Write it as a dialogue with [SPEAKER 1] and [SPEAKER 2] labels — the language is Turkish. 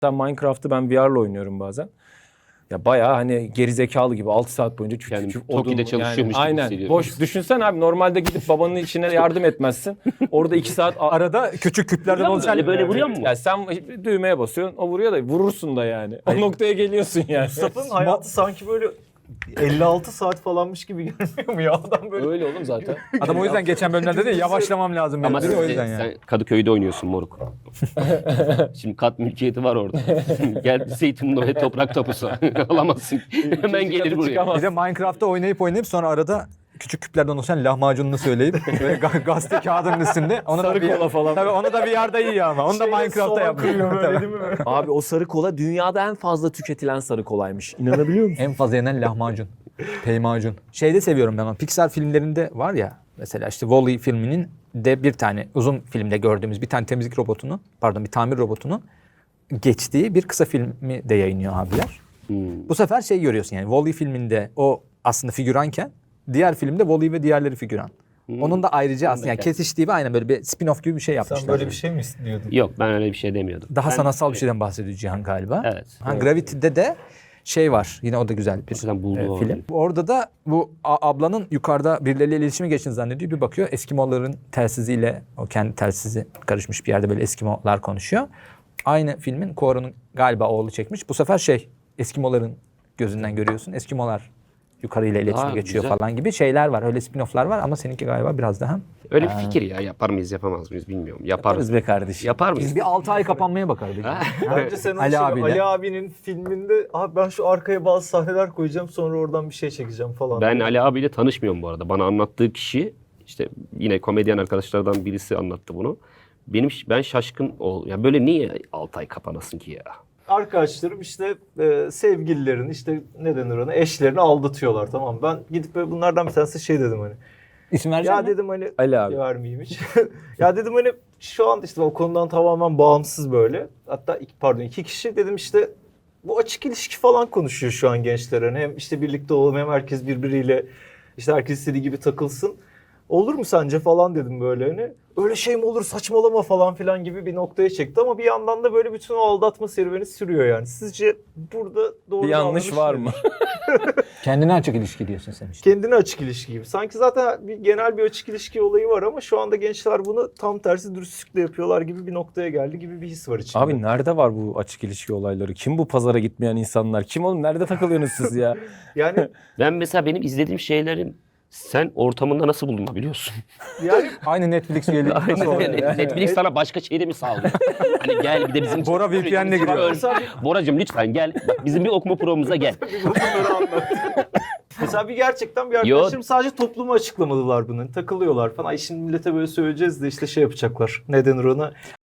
[SPEAKER 1] Minecraft'ı ben VR'la oynuyorum bazen. Ya bayağı hani gerizekalı gibi 6 saat boyunca
[SPEAKER 2] Yani
[SPEAKER 1] odun
[SPEAKER 2] Toki'de çalışıyormuş gibi
[SPEAKER 1] aynen.
[SPEAKER 2] hissediyorum.
[SPEAKER 1] Boş düşünsen abi, normalde gidip babanın içine yardım etmezsin. Orada 2 saat
[SPEAKER 3] Arada küçük küplerden
[SPEAKER 2] Vuruyor mu?
[SPEAKER 3] oluşan...
[SPEAKER 2] Böyle vuruyor mu?
[SPEAKER 1] ya sen düğmeye basıyorsun, o vuruyor da vurursun da yani. O noktaya geliyorsun yani.
[SPEAKER 4] Mustafa'nın hayatı sanki böyle 56 saat falanmış gibi gelmiyor mu ya? Adam böyle
[SPEAKER 1] Öyle oğlum zaten.
[SPEAKER 3] Adam o yüzden geçen bölümlerde de yavaşlamam lazım.
[SPEAKER 2] Ama
[SPEAKER 3] dedi, o
[SPEAKER 2] sen,
[SPEAKER 3] yüzden yani.
[SPEAKER 2] sen Kadıköy'de oynuyorsun moruk. Şimdi kat mülkiyeti var orada. Gel Zeytinburnu ve toprak tapusu. Alamazsın. Hemen gelir buraya.
[SPEAKER 3] Bir de Minecraft'ta oynayıp sonra arada küçük küplerden oluşan lahmacununu söyleyip böyle gazete kağıdının üstünde. Onu
[SPEAKER 1] Sarı kola falan.
[SPEAKER 3] Tabii onu da VR'da iyi ama. Onu da Minecraft'ta yapıyor.
[SPEAKER 4] böyle değil mi?
[SPEAKER 1] Abi o sarı kola dünyada en fazla tüketilen sarı kolaymış. İnanabiliyor musun?
[SPEAKER 3] En fazla yenen lahmacun. Peymacun. Şeyde seviyorum ben onu. Pixar filmlerinde var ya. Mesela işte Wall-E filminin de bir tane uzun filmde gördüğümüz bir tane temizlik robotunu, bir tamir robotunun geçtiği bir kısa filmi de yayınlıyor abiler. Bu sefer şey görüyorsun yani Wall-E filminde o aslında figüranken diğer filmde Wall-E ve diğerleri figüran. Onun da ayrıca aslında yani kesiştiği ve aynen böyle bir spin-off gibi bir şey yapmışlar.
[SPEAKER 4] Sen böyle bir şey mi istiyordun?
[SPEAKER 2] Yok ben öyle bir şey demiyordum.
[SPEAKER 3] Daha
[SPEAKER 2] Ben-
[SPEAKER 3] sanatsal bir şeyden bahsediyor Cihan galiba.
[SPEAKER 2] Evet.
[SPEAKER 3] Gravity'de de şey var. Yine o da güzel bir
[SPEAKER 2] Hakikaten buldu
[SPEAKER 3] film. Orada da bu ablanın yukarıda birileriyle iletişime geçtiğini zannediyor. Bir bakıyor Eskimoların telsiziyle o kendi telsizi karışmış bir yerde böyle Eskimolar konuşuyor. Aynı filmin Kuoro'nun galiba oğlu çekmiş. Bu sefer Eskimoların gözünden görüyorsun. Eskimolar yukarıyla iletişime geçiyor
[SPEAKER 2] güzel.
[SPEAKER 3] falan gibi şeyler var. Öyle spin-off'lar var ama seninki galiba biraz daha.
[SPEAKER 2] Öyle bir fikir ya. Yapar mıyız yapamaz mıyız bilmiyorum. Yaparız.
[SPEAKER 1] Yaparız be kardeşim.
[SPEAKER 2] Yapar mıyız?
[SPEAKER 3] Biz bir 6 ay kapanmaya bakardık.
[SPEAKER 4] Bence sen
[SPEAKER 3] Ali abiyle.
[SPEAKER 4] Ali abinin filminde abi ben şu arkaya bazı sahneler koyacağım sonra oradan bir şey çekeceğim falan.
[SPEAKER 2] Ben Ali abiyle tanışmıyorum bu arada. Bana anlattığı kişi işte yine komedyen arkadaşlardan birisi anlattı bunu. Ben şaşkın oldum. Ya böyle niye 6 ay kapanasın ki ya?
[SPEAKER 4] Arkadaşlarım işte sevgililerin işte ne denir ona eşlerini aldatıyorlar, tamam. Ben gidip böyle bunlardan bir tanesi şey dedim hani.
[SPEAKER 3] İsim vereceğim
[SPEAKER 4] Ya
[SPEAKER 3] mi?
[SPEAKER 4] dedim hani
[SPEAKER 1] Ali abi.
[SPEAKER 4] vermeyeyim hiç. Ya dedim hani şu an işte o konudan tamamen bağımsız böyle. Hatta iki kişi dedim işte bu açık ilişki falan konuşuyor şu an gençler. Hani hem işte birlikte olalım hem herkes birbiriyle işte herkes istediği gibi takılsın. Olur mu sence falan dedim böyle hani. Öyle şey mi olur, saçmalama falan filan gibi bir noktaya çekti ama bir yandan da böyle bütün o aldatma serüveni sürüyor yani. Sizce burada doğru
[SPEAKER 1] Bir yanlış var mı?
[SPEAKER 3] Kendine açık ilişki diyorsun sen işte.
[SPEAKER 4] Kendine açık ilişki gibi. Sanki zaten genel bir açık ilişki olayı var ama şu anda gençler bunu tam tersi dürüstlükle yapıyorlar gibi bir noktaya geldi gibi bir his var içinde.
[SPEAKER 1] Abi nerede var bu açık ilişki olayları? Kim bu pazara gitmeyen insanlar? Kim oğlum? Nerede takılıyorsunuz siz ya?
[SPEAKER 4] Yani
[SPEAKER 2] Ben mesela benim izlediğim şeylerin sen ortamında nasıl bulunabiliyorsun?
[SPEAKER 3] Aynı Netflix üyeliği.
[SPEAKER 2] Netflix sana başka şey de mi sağlıyor? Hani gel bir de bizim...
[SPEAKER 3] Bora VPN'le giriyor.
[SPEAKER 2] Boracığım lütfen gel. Bak, bizim bir okuma programımıza gel.
[SPEAKER 4] bunları anlat. Mesela gerçekten bir arkadaşlarım sadece topluma açıklamadılar bunu. Takılıyorlar falan. Ay şimdi millete böyle söyleyeceğiz de işte şey yapacaklar. Ne denir ona?